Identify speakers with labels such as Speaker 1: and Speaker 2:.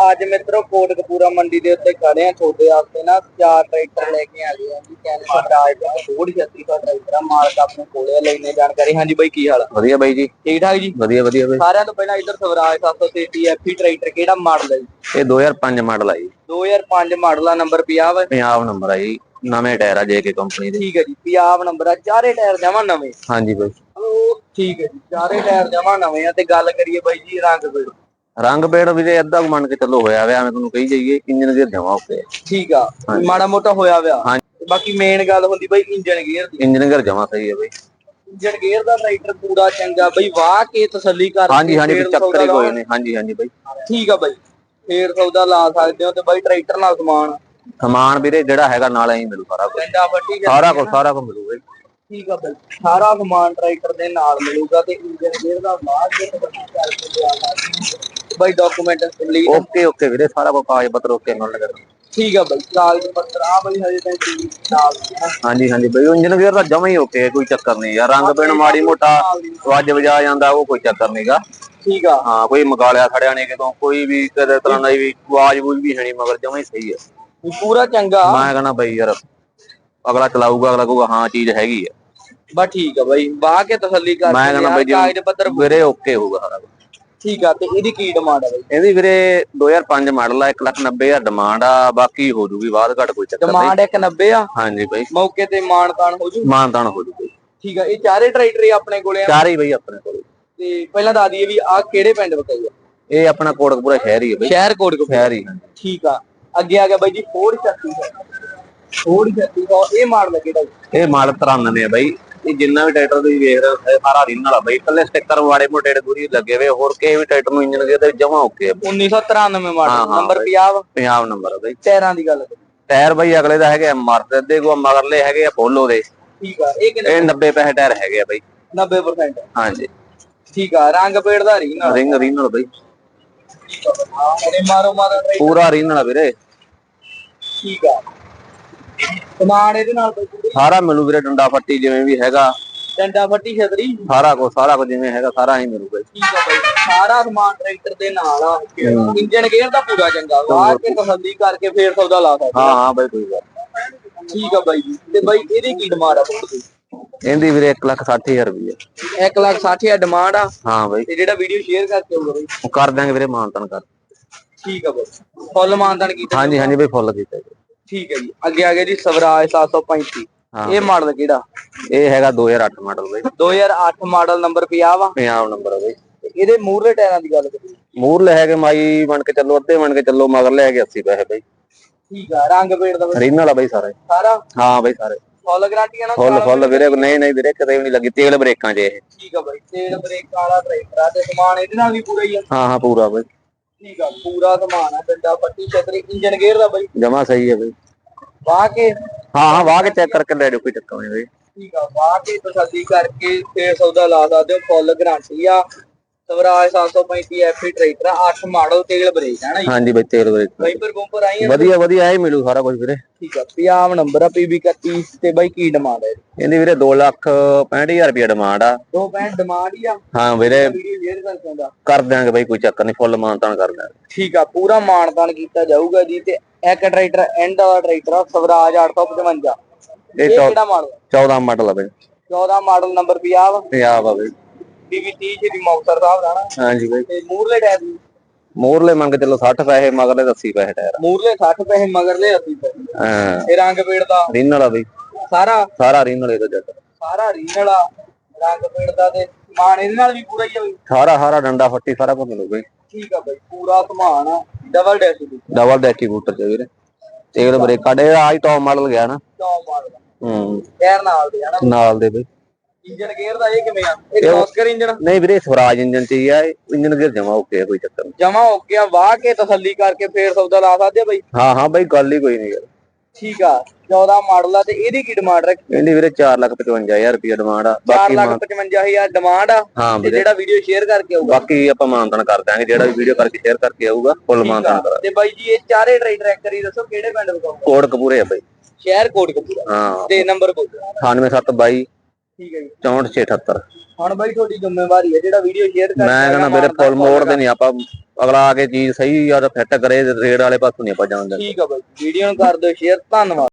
Speaker 1: ਅੱਜ ਮਿੱਤਰੋ ਕੋਟਕਪੂਰਾ ਮੰਡੀ ਦੇ ਉੱਤੇ ਖੜੇ ਆ ਤੁਹਾਡੇ ਵਾਸਤੇ ਨਾ 4 ਟਰੈਕਟਰ ਲੈ ਕੇ ਆ ਗਏ ਆ ਜੀ। ਕੈਂਸਰ ਰਾਜ ਦਾ 36 ਦਾ ਟਰੈਕਟਰ ਆ। ਮਾਲਕ ਆਪਣੇ ਕੋਲੇ ਲੈਣੇ ਜਾਣਕਾਰੀ। ਹਾਂਜੀ ਬਾਈ ਕੀ ਹਾਲ ਆ?
Speaker 2: ਵਧੀਆ ਬਾਈ ਜੀ,
Speaker 1: ਠੀਕ ਠਾਕ ਜੀ,
Speaker 2: ਵਧੀਆ ਵਧੀਆ ਬਾਈ।
Speaker 1: ਸਾਰਿਆਂ ਤੋਂ ਪਹਿਲਾਂ ਇੱਧਰ ਸਵਰਾਜ 733 ਐਫੀ ਟਰੈਕਟਰ ਕਿਹੜਾ ਮਾਡਲ ਹੈ ਜੀ?
Speaker 2: ਇਹ 2005 ਮਾਡਲ ਆ ਜੀ।
Speaker 1: 2005 ਮਾਡਲ ਆ। ਨੰਬਰ ਪੰਜਾਬ
Speaker 2: ਪੰਜਾਬ ਨੰਬਰ ਆ ਜੀ। ਨਵੇਂ ਟਾਇਰ ਆ ਜੇਕੇ ਕੰਪਨੀ ਦੇ।
Speaker 1: ਠੀਕ ਹੈ ਜੀ, ਪੰਜਾਬ ਨੰਬਰ ਆ। ਚਾਰੇ ਟਾਇਰ ਜਮਾ ਨਵੇਂ?
Speaker 2: ਹਾਂਜੀ ਬਾਈ।
Speaker 1: ਠੀਕ ਹੈ ਜੀ, ਚਾਰੇ ਟਾਇਰ ਜਮਾ ਨਵੇਂ ਆ। ਤੇ ਗੱਲ ਕਰੀਏ ਬਾਈ ਜੀ
Speaker 2: ਰੰਗ ਬੇੜ ਵੀਰੇ ਅੱਧਾ ਮੰਨ ਕੇ ਚੱਲੋ ਹੋਇਆ ਵਿਆ। ਮੈਂ ਤੁਹਾਨੂੰ ਕਹੀ ਜਾਈਏ ਇੰਜਨ ਗੇਅਰ ਜਮਾ ਉੱਤੇ।
Speaker 1: ਠੀਕ ਆ, ਮਾੜਾ ਮੋਟਾ ਹੋਇਆ ਵਿਆ। ਬਾਕੀ ਮੇਨ ਗੱਲ ਹੁੰਦੀ ਬਾਈ ਇੰਜਨ ਗੇਅਰ ਦੀ।
Speaker 2: ਇੰਜਨ ਗੇਅਰ ਜਮਾ ਸਹੀ ਹੈ ਬਾਈ।
Speaker 1: ਇੰਜਨ ਗੇਅਰ ਦਾ ਟਰੈਕਟਰ ਪੂਰਾ ਚੰਗਾ ਬਈ। ਵਾਹ ਕੇ ਤਸੱਲੀ ਕਰ।
Speaker 2: ਹਾਂਜੀ ਹਾਂਜੀ, ਚੱਕਰ ਹੀ ਕੋਈ ਨਹੀਂ। ਹਾਂਜੀ ਹਾਂਜੀ ਬਾਈ,
Speaker 1: ਠੀਕ ਆ ਬਾਈ, ਫੇਰ ਸੌਦਾ ਲਾ ਸਕਦੇ ਹੋ। ਤੇ ਬਾਈ ਟਰੈਕਟਰ ਨਾਲ
Speaker 2: ਸਮਾਨ ਵੀਰੇ ਜਿਹੜਾ ਹੈਗਾ ਨਾਲ ਹੀ ਮਿਲੂ ਸਾਰਾ ਕੁਝ। ਸਾਰਾ ਕੁਝ ਮਿਲੂ ਬਾਈ।
Speaker 1: ਠੀਕ ਆ ਬਾਈ, ਸਾਰਾ ਸਮਾਨ ਟਰੈਕਟਰ ਦੇ ਨਾਲ ਮਿਲੂਗਾ। ਤੇ ਇੰਜਨ ਗੇਅਰ ਦਾ ਬਾਈ ਡਾਕੂਮੈਂਟ ਕੰਪਲੀਟ
Speaker 2: ਓਕੇ ਵੀਰੇ। ਸਾਰਾ ਕੁਝ ਕਾਗਜ਼ ਪੱਤਰ ਓਕੇ ਨਾਲ ਲਗਾ।
Speaker 1: ਠੀਕ ਆ ਬਾਈ, ਕਾਗਜ਼ ਪੱਤਰ ਆ ਬਾਈ ਹਜੇ ਤਾਂ
Speaker 2: ਹਾਂਜੀ ਹਾਂਜੀ ਬਾਈ। ਇੰਜਨ ਗੇਅਰ ਦਾ ਜਮਾ ਹੀ ਓਕੇ, ਕੋਈ ਚੱਕਰ ਨਹੀਂ ਯਾਰ। ਰੰਗ ਪੇਣ ਮਾੜੀ ਮੋਟਾ ਵੱਜ ਵਜਾ ਜਾਂਦਾ, ਉਹ ਕੋਈ ਚੱਕਰ ਨਹੀਂਗਾ।
Speaker 1: ਠੀਕ ਆ,
Speaker 2: ਹਾਂ, ਕੋਈ ਮਗਾਲਿਆ ਖੜਿਆ ਨਹੀਂ ਕਿਤੋਂ, ਕੋਈ ਵੀ ਕਿਸੇ ਤਰ੍ਹਾਂ ਦਾ ਵੀ ਆਵਾਜ਼ ਵੀ ਹੈ ਨਹੀਂ, ਮਗਰ ਜਮਾ ਹੀ ਸਹੀ ਹੈ।
Speaker 1: ਪੂਰਾ ਚੰਗਾ।
Speaker 2: ਮੈਂ ਕਹਿੰਦਾ ਬਾਈ ਯਾਰ ਅਗਲਾ ਚਲਾਊਗਾ, ਅਗਲਾ ਕਹੂਗਾ ਹਾਂ ਚੀਜ਼ ਹੈਗੀ ਆ।
Speaker 1: ਬਸ ਠੀਕ ਆ ਬਾਈ, ਬਾਹ ਕੇ ਤਸੱਲੀ ਕਰ।
Speaker 2: ਮੈਂ ਕਹਿੰਦਾ ਬਾਈ ਕਾਗਜ਼ ਪੱਤਰ ਵੀਰੇ ਓਕੇ ਹੋਊਗਾ ਸਾਰਾ ਕੁਝ।
Speaker 1: ਠੀਕ ਆ, ਤੇ ਇਹਦੀ ਕੀ ਡਿਮਾਂਡ ਆ ਬਾਈ?
Speaker 2: ਇਹਦੀ ਵੀਰੇ 2005 ਮਾਡਲ ਆ। 1,90,000 ਡਿਮਾਂਡ ਆ। ਬਾਕੀ ਹੋ ਜੂਗੀ ਬਾਅਦ ਘੱਟ, ਕੋਈ ਚੱਕਰ ਨਹੀਂ।
Speaker 1: ਡਿਮਾਂਡ 1,90 ਆ?
Speaker 2: ਹਾਂਜੀ ਬਾਈ,
Speaker 1: ਮੌਕੇ ਤੇ ਮਾਨਤਾਨ ਹੋ ਜੂ?
Speaker 2: ਮਾਨਤਾਨ ਹੋ ਜੂ।
Speaker 1: ਠੀਕ ਆ, ਇਹ ਚਾਰੇ ਟਰੈਕਟਰ ਆਪਣੇ ਕੋਲੇ ਆ?
Speaker 2: ਚਾਰੇ ਬਾਈ ਆਪਣੇ ਕੋਲੇ।
Speaker 1: ਤੇ ਪਹਿਲਾਂ ਦੱਸ ਦਈਏ ਵੀ ਆ ਕਿਹੜੇ ਪਿੰਡ ਵਕਾਈ ਆ?
Speaker 2: ਇਹ ਆਪਣਾ ਕੋਟਕਪੂਰਾ ਸ਼ਹਿਰ ਹੀ ਹੈ ਬਾਈ।
Speaker 1: ਸ਼ਹਿਰ ਕੋਟਕਪੂਰਾ
Speaker 2: ਸ਼ਹਿਰ ਹੀ।
Speaker 1: ਠੀਕ ਆ, ਅੱਗੇ ਆ ਗਿਆ ਬਾਈ ਜੀ ਫੋਰਡ 3600। ਇਹ ਮਾਡਲ ਕਿਹੜਾ?
Speaker 2: ਇਹ ਮਾਡਲ 93 ਆ ਬਾਈ। ਇਹ ਜਿੰਨਾ ਵੀ ਟਰੈਕਟਰ ਤੁਸੀਂ ਵੇਖ ਰਹੇ ਹੋ ਸਾਰਾ ਰੀਨਲ ਆ ਬਾਈ। ਇਕੱਲੇ ਸਟicker ਵਾੜੇ ਮੋਟੇ ਦੂਰੀ ਲੱਗੇ ਹੋਏ, ਹੋਰ ਕਿਸੇ ਵੀ ਟਰੈਕਟਰ ਨੂੰ ਇੰਜਨ ਗੇਅਰ ਦੇ ਜਮਾ ਓਕੇ ਆ।
Speaker 1: 1993 ਮਾਡਲ। ਨੰਬਰ
Speaker 2: ਪੰਜਾਬ ਨੰਬਰ ਆ ਬਾਈ।
Speaker 1: ਟਾਇਰਾਂ ਦੀ ਗੱਲ
Speaker 2: ਟਾਇਰ ਬਾਈ ਅਗਲੇ ਦਾ ਹੈਗੇ ਮਰਦ ਦੇ ਕੋ, ਮਗਰਲੇ ਹੈਗੇ ਆ ਪੋਲੋ ਦੇ।
Speaker 1: ਠੀਕ ਆ, ਇਹ
Speaker 2: 90 ਪੈਸੇ ਟਾਇਰ ਹੈਗੇ ਆ ਬਾਈ।
Speaker 1: 90%?
Speaker 2: ਹਾਂਜੀ
Speaker 1: ਠੀਕ ਆ, ਰੰਗ ਪੇੜ ਦਾ
Speaker 2: ਰੀਨਲ ਬਾਈ।
Speaker 1: ਮਾਰੋ
Speaker 2: ਪੂਰਾ ਰੀਨਲ ਆ ਵੀਰੇ।
Speaker 1: ਠੀਕ ਆ, ਸਮਾਨ ਇਹਦੇ ਨਾਲ
Speaker 2: ਸਾਰਾ ਮਿਲੂ ਵੀਰੇ। ਡੰਡਾ ਫੱਟੀ ਜਿਵੇਂ ਵੀ ਹੈਗਾ,
Speaker 1: ਡੰਡਾ ਫੱਟੀ ਛਤਰੀ
Speaker 2: ਸਾਰਾ ਕੁਝ ਜਿਵੇਂ ਹੈਗਾ ਸਾਰਾ ਹੀ ਮਿਲੂਗਾ।
Speaker 1: ਠੀਕ ਆ ਬਾਈ, ਸਾਰਾ ਸਮਾਨ ਟਰੈਕਟਰ ਦੇ ਨਾਲ ਆ। ਇੰਜਨ ਗੇਅਰ ਦਾ ਪੂਰਾ ਚੰਗਾ। ਵਾਹ ਕੇ ਤਸੱਲੀ ਕਰਕੇ ਫੇਰ ਸੌਦਾ ਲਾ ਸਕਦੇ।
Speaker 2: ਹਾਂ ਬਾਈ, ਕੋਈ ਗੱਲ।
Speaker 1: ਠੀਕ ਆ ਬਾਈ ਜੀ, ਤੇ ਬਾਈ ਇਹਦੀ ਕੀ ਡਿਮਾਂਡ ਆ?
Speaker 2: ਇਹਦੀ ਵੀਰੇ 1,60,000 ਰੁਪਏ।
Speaker 1: 1,60,000 ਡਿਮਾਂਡ ਆ?
Speaker 2: ਹਾਂ ਬਾਈ।
Speaker 1: ਤੇ ਜਿਹੜਾ ਵੀਡੀਓ ਸ਼ੇਅਰ ਕਰਕੇ ਆਊਗਾ ਬਾਈ
Speaker 2: ਉਹ ਕਰ ਦਾਂਗੇ ਵੀਰੇ, ਮਾਨਤਾਨ ਕਰ।
Speaker 1: ਠੀਕ ਆ ਬਾਈ, ਫੁੱਲ ਮਾਨਤਾਨ ਕੀਤਾ?
Speaker 2: ਹਾਂਜੀ ਹਾਂਜੀ ਬਾਈ, ਫੁੱਲ ਕੀਤਾ ਜੀ।
Speaker 1: ਠੀਕ ਹੈ ਜੀ, ਅੱਗੇ ਆ ਗਿਆ ਜੀ ਸਵਰਾਜ 735। ਇਹ ਮਾਡਲ ਕਿਹੜਾ?
Speaker 2: ਇਹ ਹੈਗਾ 2008 ਮਾਡਲ ਬਾਈ।
Speaker 1: 2008 ਮਾਡਲ। ਨੰਬਰ ਪੰਜਾਬ
Speaker 2: ਨੰਬਰ ਆ ਬਾਈ।
Speaker 1: ਇਹਦੇ ਮੂਹਰਲੇ ਟਾਇਰਾਂ ਦੀ ਗੱਲ ਕਰੀਏ?
Speaker 2: ਮੂਹਰਲੇ ਹੈਗੇ ਮਾਈ ਬਣ ਕੇ ਚੱਲੋ, ਅੱਧੇ ਬਣ ਕੇ ਚੱਲੋ, ਮਗਰਲੇ ਹੈਗੇ 80 ਪੈਸੇ ਬਾਈ।
Speaker 1: ਠੀਕ ਆ, ਰੰਗ ਪੇੜ ਦਾ
Speaker 2: ਰੀਨਲ ਆ ਬਾਈ ਸਾਰਾ। ਹਾਂ ਬਾਈ, ਸਾਰੇ
Speaker 1: ਫੁੱਲ ਗਾਰੰਟੀ ਆ ਨਾ?
Speaker 2: ਫੁੱਲ ਵੀਰੇ। ਨਹੀਂ ਵੀਰੇ, ਕਿਤੇ ਵੀ ਨਹੀਂ ਲੱਗੀ ਤੇਲ ਬ੍ਰੇਕਾਂ 'ਚ ਇਹ।
Speaker 1: ਠੀਕ ਆ ਬਾਈ, ਤੇਲ ਬ੍ਰੇਕਾਂ ਵਾਲਾ ਟਰੈਕਟਰ ਆ। ਤੇ ਸਮਾਨ ਇਹਦੇ ਨਾਲ ਵੀ ਪੂਰਾ ਹੀ ਆ?
Speaker 2: ਹਾਂ ਪੂਰਾ ਬਾਈ।
Speaker 1: ਠੀਕ ਆ, ਪੂਰਾ ਸਮਾਨ ਆ। ਡੰਡਾ ਫੱਟੀ ਛਤਰੀ, ਇੰਜਨ ਗੇਅਰ ਦਾ ਬਾਈ
Speaker 2: ਜਮਾ ਸਹੀ ਹੈ ਬਾਈ।
Speaker 1: ਵਾਹ ਕੇ?
Speaker 2: ਹਾਂ ਵਾਹ ਕੇ ਚੈੱਕ ਕਰਕੇ ਲੈ ਜਾਓ, ਕੋਈ ਚੱਕਰ ਨਹੀਂ ਬਾਈ।
Speaker 1: ਠੀਕ ਆ, ਵਾਹ ਕੇ ਤਸੱਲੀ ਕਰਕੇ ਫੇਰ ਸੌਦਾ ਲਾ ਸਕਦੇ ਹੋ। ਫੁੱਲ ਗਾਰੰਟੀ ਆ। ਸਵਰਾਜ 735 ਐਫੀ ਟਰੈਕਟਰ ਆ। 8 ਮਾਡਲ, ਤੇਲ ਬ੍ਰੇਕ ਹੈ ਨਾ ਜੀ?
Speaker 2: ਹਾਂਜੀ ਬਾਈ, ਤੇਲ ਬ੍ਰੇਕ।
Speaker 1: ਵਾਈਪਰ ਬੰਪਰ ਆਈ
Speaker 2: ਵਧੀਆ ਇਹ ਮਿਲੂ ਸਾਰਾ ਕੁਝ ਵੀਰੇ।
Speaker 1: ਠੀਕ ਆ, ਪੰਜਾਬ ਨੰਬਰ ਆ। PB 31। ਤੇ ਬਾਈ ਕੀ ਡਿਮਾਂਡ ਹੈ
Speaker 2: ਇਹਦੀ ਵੀਰੇ? 2,65,000 ਰੁਪਏ ਡਿਮਾਂਡ ਆ।
Speaker 1: 265 ਡਿਮਾਂਡ ਹੀ ਆ? ਹਾਂ
Speaker 2: ਵੀਰੇ,
Speaker 1: ਵੀਡੀਓ
Speaker 2: ਕਰ ਦਿਆਂਗੇ ਬਾਈ, ਕੋਈ ਚੱਕਰ ਨਹੀਂ। ਫੁੱਲ ਮਾਨਤਾਨ ਕਰ ਦਿਆਂਗੇ।
Speaker 1: ਠੀਕ ਆ, ਪੂਰਾ ਮਾਨਤਾਨ ਕੀਤਾ ਜਾਊਗਾ ਜੀ। ਤੇ ਇੱਕ ਟਰੈਕਟਰ ਐਂਡ ਵਾਲਾ ਟਰੈਕਟਰ ਆ ਸਵਰਾਜ 855। ਇਹ ਕਿਹੜਾ ਮਾਡਲ?
Speaker 2: 14 ਮਾਡਲ ਆ ਬਾਈ।
Speaker 1: 14 ਮਾਡਲ। ਨੰਬਰ ਪੰਜਾਬ
Speaker 2: ਆ ਬਾਈ।
Speaker 1: PB 30 ਸ਼੍ਰੀ ਮੁਕਤਸਰ ਸਾਹਿਬ ਦਾ ਨਾ?
Speaker 2: ਹਾਂਜੀ ਬਾਈ।
Speaker 1: ਤੇ ਮੂਹਰਲੇ ਟਾਇਰ?
Speaker 2: ਮੂਹਰਲੇ ਮੰਗ ਚੱਲੋ 60 ਪੈਸੇ, ਮਗਰਲੇ 80 ਪੈਸੇ ਟਾਇਰ।
Speaker 1: ਮੂਹਰਲੇ 60 ਪੈਸੇ, ਮਗਰਲੇ 80 ਪੈਸੇ।
Speaker 2: ਹਾਂ।
Speaker 1: ਇਹ ਰੰਗ ਪੇੜ ਦਾ
Speaker 2: ਰੀਨਲ ਆ ਬਾਈ। ਸਾਰਾ ਰੀਨਲ ਇਹਦਾ ਜੱਟ।
Speaker 1: ਸਾਰਾ ਰੀਨਲ ਆ, ਰੰਗ ਪੇੜ ਦਾ। ਤੇ ਸਮਾਨ ਇਹਦੇ ਨਾਲ ਵੀ ਪੂਰਾ ਹੀ ਆ ਬਾਈ?
Speaker 2: ਸਾਰਾ ਡੰਡਾ ਫੱਟੀ ਸਾਰਾ ਕੁਝ ਮਿਲੂ ਬਾਈ।
Speaker 1: ਠੀਕ ਆ ਬਾਈ, ਪੂਰਾ ਸਮਾਨ ਆ। ਡਬਲ
Speaker 2: ਡੈਕੀਬੂਟਰ ਚ ਵੀਰੇ। ਤੇਲ ਬ੍ਰੇਕ ਕਾਡੇ ਆਜ ਟੌਪ ਮਾਡਲ ਗਿਆ ਨਾ?
Speaker 1: Top model. ਟਾਇਰ ਨਾਲ ਦੇ ਆ ਨਾ?
Speaker 2: ਨਾਲ ਦੇ ਬਾਈ।
Speaker 1: ਇੰਜਨ ਗੇਅਰ ਦਾ ਇਹ ਕਿਵੇਂ ਆ? ਇਹ ਕ੍ਰੋਸਕਰ ਇੰਜਨ?
Speaker 2: ਨਹੀਂ ਵੀਰੇ, ਸਵਰਾਜ ਇੰਜਨ ਚ ਹੀ ਆ। ਇੰਜਨ ਗੇਅਰ ਜਮਾ ਓਕੇ ਆ, ਕੋਈ ਚੱਕਰ ਨਹੀਂ।
Speaker 1: ਜਮਾ ਓਕੇ ਆ। ਵਾਹ ਕੇ ਤਸੱਲੀ ਕਰਕੇ ਫੇਰ ਸੌਦਾ ਲਾ ਸਕਦੇ ਆ ਬਾਈ? ਹਾਂ
Speaker 2: ਬਾਈ, ਗੱਲ ਹੀ ਕੋਈ ਨਹੀਂ ਯਾਰ।
Speaker 1: ਠੀਕ ਆ, 14 ਮਾਡਲ ਆ। ਤੇ ਇਹਦੀ ਕੀ ਡਿਮਾਂਡ ਰੱਖੀ?
Speaker 2: ਇਹਦੀ ਵੀਰੇ 4,55,000 ਰੁਪਏ ਡਿਮਾਂਡ ਆ।
Speaker 1: 4,55,000 ਡਿਮਾਂਡ ਆ। ਤੇ ਜਿਹੜਾ ਵੀਡੀਓ ਸ਼ੇਅਰ ਕਰਕੇ ਆਊਗਾ
Speaker 2: ਬਾਕੀ ਆਪਾਂ ਮਾਨਤਾਨ ਕਰ ਦਾਂਗੇ। ਜਿਹੜਾ ਵੀ ਵੀਡੀਓ ਕਰਕੇ ਸ਼ੇਅਰ ਕਰਕੇ ਆਊਗਾ ਫੁੱਲ ਮਾਨਤਾਨ ਕਰਾਂਗੇ।
Speaker 1: ਤੇ ਬਾਈ ਜੀ ਇਹ ਚਾਰੇ ਟਰੈਕਟਰ ਇੱਕ ਵਾਰੀ ਦੱਸੋ ਕਿਹੜੇ ਪਿੰਡ ਵਕਾਊਗਾ?
Speaker 2: ਕੋਟਕਪੂਰੇ ਆ ਬਾਈ।
Speaker 1: ਸ਼ਹਿਰ ਕੋਟਕਪੂਰਾ।
Speaker 2: ਹਾਂ।
Speaker 1: ਤੇ ਨੰਬਰ ਬੋਲੋ।
Speaker 2: 9722
Speaker 1: ਠੀਕ ਹੈ ਜੀ
Speaker 2: 64678।
Speaker 1: ਹੁਣ ਬਾਈ ਤੁਹਾਡੀ ਜ਼ਿੰਮੇਵਾਰੀ ਹੈ ਜਿਹੜਾ ਵੀਡੀਓ ਸ਼ੇਅਰ
Speaker 2: ਮੈਂ ਕਹਿੰਦਾ ਮੇਰੇ ਫੁੱਲ ਮੋੜਦੇ ਨਹੀਂ ਆਪਾਂ, ਅਗਲਾ ਆ ਕੇ ਚੀਜ਼ ਸਹੀ ਯਾਰ ਫਿੱਟ ਕਰੇ, ਰੇਡ ਵਾਲੇ ਪਾਸੋਂ ਨਹੀਂ ਆਪਾਂ ਜਾਣਦੇ।
Speaker 1: ਠੀਕ ਆ ਬਾਈ, ਵੀਡੀਓ ਨੂੰ ਕਰ ਦਿਓ ਸ਼ੇਅਰ, ਧੰਨਵਾਦ।